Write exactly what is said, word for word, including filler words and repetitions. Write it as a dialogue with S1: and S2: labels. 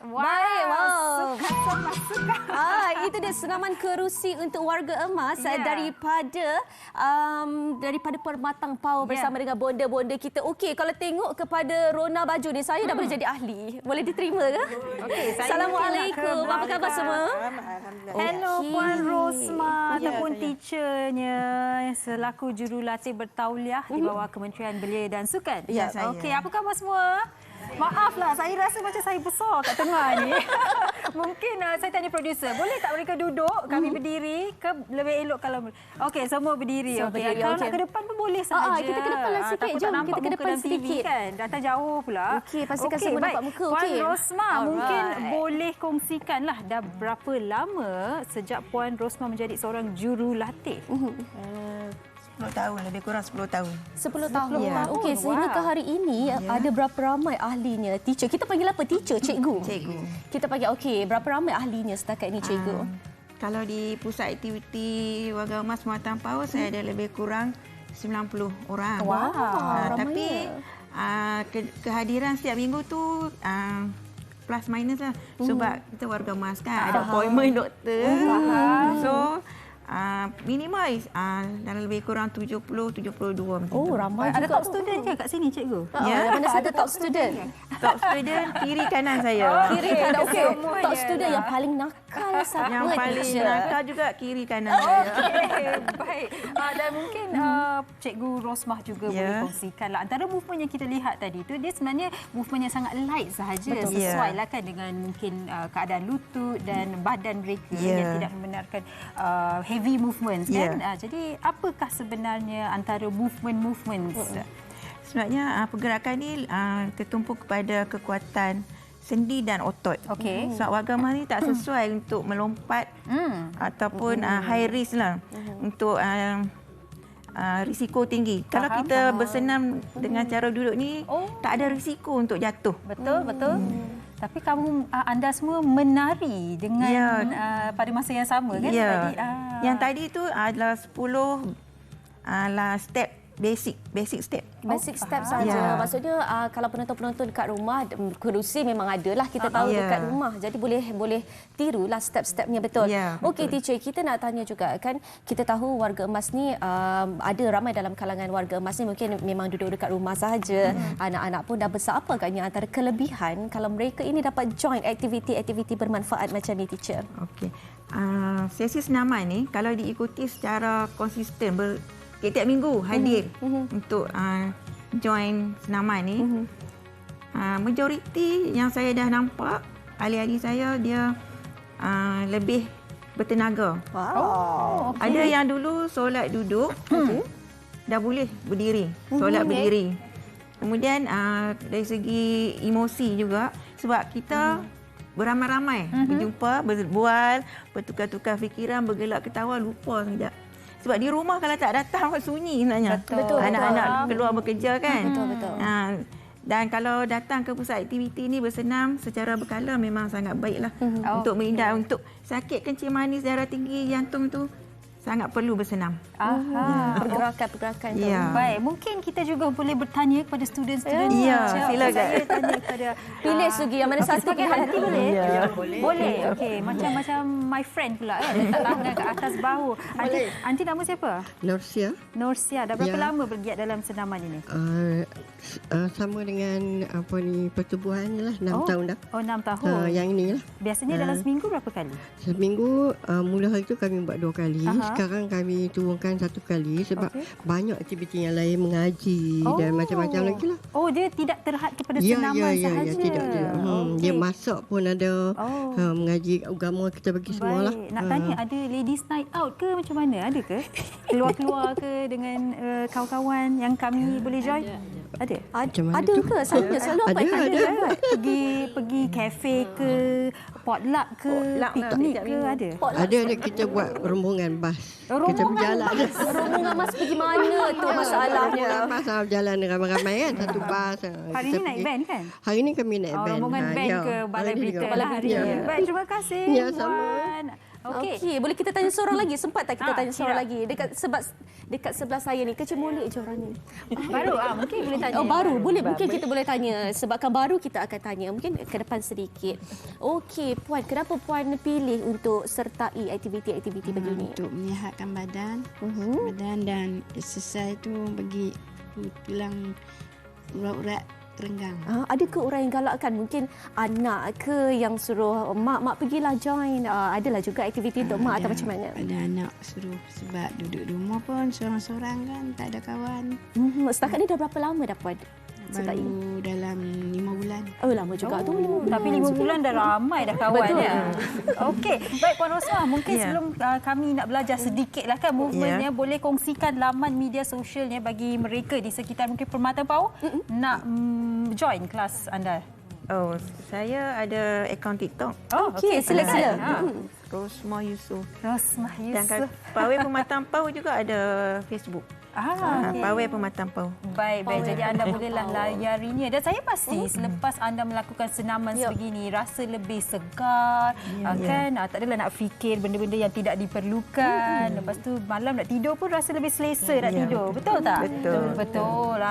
S1: Wow.
S2: Baik, wow.
S1: Suka, suka.
S2: Ah, itu dia senaman kerusi untuk warga emas
S1: Ya.
S2: daripada um, daripada Permatang Power bersama
S1: Ya.
S2: dengan bonda-bonda kita. Okey, kalau tengok kepada Rona Baju ni, saya hmm. dah boleh jadi ahli. Boleh diterima ke?
S1: Okey, saya
S2: Assalamualaikum. Apa khabar semua?
S1: Hello
S2: Okey.
S1: Puan Rosma
S3: Ya,
S1: ataupun
S3: saya.
S1: teachernya selaku jurulatih bertauliah di bawah Kementerian Belia dan Sukan.
S3: Ya, saya.
S1: Okey, apa khabar semua? Maaflah, saya rasa macam saya besar kat tengah ni. Mungkin uh, saya tanya producer, boleh tak mereka duduk, kami
S2: Hmm.
S1: berdiri ke lebih elok kalau... Okey, semua berdiri.
S2: Semua
S1: Okey,
S2: berdiri,
S1: kalau
S2: okey.
S1: nak ke depan pun boleh
S2: Ah,
S1: sahaja.
S2: ah, kita ke depan lah
S1: Ah,
S2: sikit.
S1: takut
S2: Jom,
S1: tak nampak
S2: kita ke
S1: muka
S2: depan
S1: dalam T V
S2: sedikit.
S1: kan. Datang jauh pula.
S2: Okey, pastikan
S1: Okey,
S2: semua
S1: baik.
S2: nampak muka,
S1: Puan
S2: okey.
S1: Rosma,
S2: Alright.
S1: mungkin boleh kongsikanlah dah berapa lama sejak Puan Rosma menjadi seorang jurulatih?
S3: sepuluh tahun, lebih kurang sepuluh tahun.
S2: sepuluh tahun.
S3: Ya.
S2: Okey, sehingga
S1: Wow.
S2: ke hari ini ada berapa ramai ahlinya? Teacher. Kita panggil apa? Teacher, cikgu.
S3: Cikgu.
S2: Kita panggil okey, berapa ramai ahlinya setakat ini cikgu?
S3: Ah, kalau di pusat aktiviti Warga Emas Permatang Power, saya ada lebih kurang sembilan puluh orang.
S2: Wow,
S3: Ah,
S2: ramainya.
S3: tapi ah, ke, kehadiran setiap minggu tu ah, plus minus lah. Sebab kita warga emas kan, ada appointment doktor. So, Uh, minimal uh, dalam lebih kurang tujuh puluh tujuh puluh dua macam
S2: Oh,
S3: tu.
S2: ramai
S1: Ada
S2: juga.
S1: top student ke kat sini, cikgu?
S2: Ya,
S3: Ya.
S2: yang mana satu top student?
S3: Top student kiri kanan saya.
S2: Kiri kanan. Okey,
S1: Semuanya
S2: top student
S1: lah.
S2: yang paling nakal siapa?
S3: Yang paling
S2: teacher?
S3: nakal juga kiri kanan saya.
S1: Okey, baik. Uh, dan mungkin uh, Cikgu Rosmah juga
S3: Ya.
S1: boleh kongsikanlah. Antara movement yang kita lihat tadi tu, dia sebenarnya movement yang sangat light sahaja.
S2: Betul.
S1: Sesuai
S3: Ya.
S1: lah kan dengan mungkin uh, keadaan lutut dan badan mereka
S3: Ya.
S1: yang tidak membenarkan uh, heavy movements kan.
S3: Ya.
S1: Uh, jadi apakah sebenarnya antara movement-movements?
S3: Sebenarnya uh, pergerakan ni uh, tertumpu kepada kekuatan sendi dan otot.
S1: Okey.
S3: Sebab warga emas ni tak sesuai untuk melompat
S1: Hmm.
S3: ataupun uh, high risk lah untuk uh, uh, risiko tinggi. Kalau
S1: Faham,
S3: kita
S1: faham.
S3: bersenam dengan cara duduk ni,
S1: Oh.
S3: tak ada risiko untuk jatuh.
S1: Betul, betul. Tapi kamu uh, anda semua menari dengan
S3: Ya.
S1: uh, pada masa yang sama kan?
S3: Ya.
S1: Tadi, ah.
S3: Yang tadi tu adalah sepuluh adalah step basic, basic step.
S2: Basic
S1: Oh,
S2: step
S1: faham.
S2: saja.
S3: Ya.
S2: Maksudnya uh, kalau penonton-penonton dekat rumah, mm, kerusi memang ada lah, kita tahu
S3: Ya.
S2: dekat rumah. Jadi boleh boleh tirulah step-stepnya, betul.
S3: Ya,
S2: Okey
S3: betul.
S2: teacher, kita nak tanya juga kan, kita tahu warga emas ni um, ada ramai dalam kalangan warga emas ni mungkin memang duduk dekat rumah sahaja. Hmm. Anak-anak pun dah besar. Apa agaknya antara kelebihan kalau mereka ini dapat join aktiviti-aktiviti bermanfaat macam ni teacher?
S3: Okey. Uh, sesi senaman ni kalau diikuti secara konsisten ber, tiap-tiap minggu hadir
S2: Mhm.
S3: untuk uh, join senaman ni.
S2: Mhm.
S3: Uh, majoriti yang saya dah nampak ahli-ahli saya dia uh, lebih bertenaga.
S2: Wow.
S1: Oh, okey.
S3: Ada yang dulu solat duduk,
S2: Okey.
S3: dah boleh berdiri, solat
S2: Mhm, okey.
S3: berdiri. Kemudian uh, dari segi emosi juga, sebab kita beramai-ramai berjumpa, berbual, bertukar-tukar fikiran, bergelak ketawa, lupa sekejap. Sebab di rumah kalau tak datang sunyi sebenarnya.
S2: Betul,
S3: Anak-anak
S1: betul.
S3: keluar bekerja kan.
S2: Betul, betul.
S3: Ha, dan kalau datang ke pusat aktiviti ni bersenam secara berkala memang sangat baiklah
S1: Mhm.
S3: untuk menghindar untuk sakit kencing manis, darah tinggi, jantung tu sangat perlu bersenam.
S1: Aha.
S2: Pergerakan-pergerakan tu.
S3: Ya.
S1: Baik, mungkin kita juga boleh bertanya kepada student-student.
S3: Ya,
S1: Macam
S3: silakan.
S1: Saya tanya kepada
S2: Pilih Sugi yang mana satu
S1: sebagai
S2: pilihan.
S1: aunty boleh?
S3: Ya,
S1: boleh. Boleh. Okey, macam macam my friend pula kan. Letak tangan kat atas bahu. Aunty, aunty nama siapa?
S4: Norsia
S1: Norsia. Dah berapa
S4: Ya.
S1: lama bergiat dalam senaman ini?
S4: uh, uh, sama dengan apa ni pertubuhan ni lah enam
S1: Oh.
S4: tahun dah.
S1: Oh, enam
S4: Uh,
S1: tahun.
S4: yang ini lah.
S1: Biasanya dalam
S4: Ah.
S1: seminggu berapa kali?
S4: Seminggu uh, mula hari tu kami buat dua kali.
S1: Aha.
S4: Sekarang kami turunkan satu kali sebab
S1: Okey.
S4: banyak aktiviti yang lain, mengaji
S1: Oh.
S4: dan macam-macam lagi lah.
S1: Oh, dia tidak terhad kepada
S4: Ya,
S1: senaman
S4: ya, ya,
S1: sahaja.
S4: ya, tidak, tidak. Hmm, Dia
S1: Okey.
S4: masak pun ada.
S1: Oh.
S4: Uh, mengaji agama kita bagi semua lah.
S1: Baik. Nak tanya, ada ladies night out ke macam mana? Ada ke? Keluar-keluar ke dengan uh, kawan-kawan yang kami boleh join? Ada.
S4: Macam mana
S2: Ada
S4: tu?
S2: ke? Selalunya selalu apa?
S4: Ada, ada.
S1: Kan? Pergi pergi kafe ke, potluck ke,
S3: Potluck lah,
S1: piknik
S3: tiap
S1: ke,
S3: minggu.
S1: ada?
S4: Ada ada kita buat rombongan bas. Kita
S1: Rombongan
S4: berjalan.
S2: Rombongan mas pergi mana tu masalahnya?
S4: Rombongan bas ah, berjalan ramai-ramai kan. Satu bas. ah,
S1: Hari
S4: kita
S1: ni naik
S4: pergi.
S1: band kan?
S4: Hari ni kami naik
S1: Oh,
S4: band.
S1: rombongan
S4: Ah,
S1: band
S4: ya.
S1: ke Balai
S4: Hari ni
S1: Berita
S4: juga.
S1: lah hari
S4: Ya.
S1: ni. Baik, terima kasih
S4: Ya, sama.
S1: Puan. Okey.
S2: Okey, boleh kita tanya seorang lagi? Sempat tak kita
S1: Ah,
S2: tanya seorang
S1: siap.
S2: lagi? Dekat sebab dekat sebelah saya ni kecil molek je orang ni.
S1: Baru ah mungkin boleh tanya.
S2: Oh baru, boleh mungkin kita boleh tanya. Sebabkan baru kita akan tanya. Mungkin ke depan sedikit. Okey, Puan, kenapa Puan pilih untuk sertai aktiviti-aktiviti begini?
S5: Untuk menyihatkan badan,
S2: Mhm.
S5: badan dan exercise tu bagi tulang urat-urat renggang.
S2: Ah, ada ke orang yang galakkan? Mungkin anak ke yang suruh mak mak pergilah join. Ah, adalah juga aktiviti untuk mak atau macam mana?
S5: Ada anak suruh sebab duduk di rumah pun seorang-seorang kan, tak ada kawan.
S2: Hmm, setakat ni dah berapa lama dah Puan sertai?
S5: Baru dalam lima bulan.
S2: Oh lama juga tu.
S1: Oh, tapi lima bulan dah ramai dah kawan
S2: Betul.
S1: ya. Okey, baik Puan Rosmah, mungkin
S3: Ya.
S1: sebelum uh, kami nak belajar sedikit lah kan movementnya,
S3: Ya.
S1: boleh kongsikan laman media sosialnya bagi mereka di sekitar mungkin Permata Pauh nak mm, join kelas anda.
S3: Oh, saya ada akaun TikTok.
S1: Oh,
S2: Okey, sila sila.
S1: Ha.
S3: Rosmah Yusof.
S1: Rosmah
S3: Dan
S1: Yusof.
S3: Pawai Pematang Pauh juga ada Facebook.
S1: Ah,
S3: Ah,
S1: okey.
S3: Pawai Pematang Pauh.
S1: Baik, baik. Jadi anda bolehlah layarinya. Dan saya pasti
S2: Hmm.
S1: selepas anda melakukan senaman
S2: Ya.
S1: sebegini, rasa lebih segar. Ya, kan? Ah, tak adalah nak fikir benda-benda yang tidak diperlukan. Lepas tu malam nak tidur pun rasa lebih selesa nak
S3: Ya,
S1: tidur. Betul tak?
S3: Betul.
S1: Betul.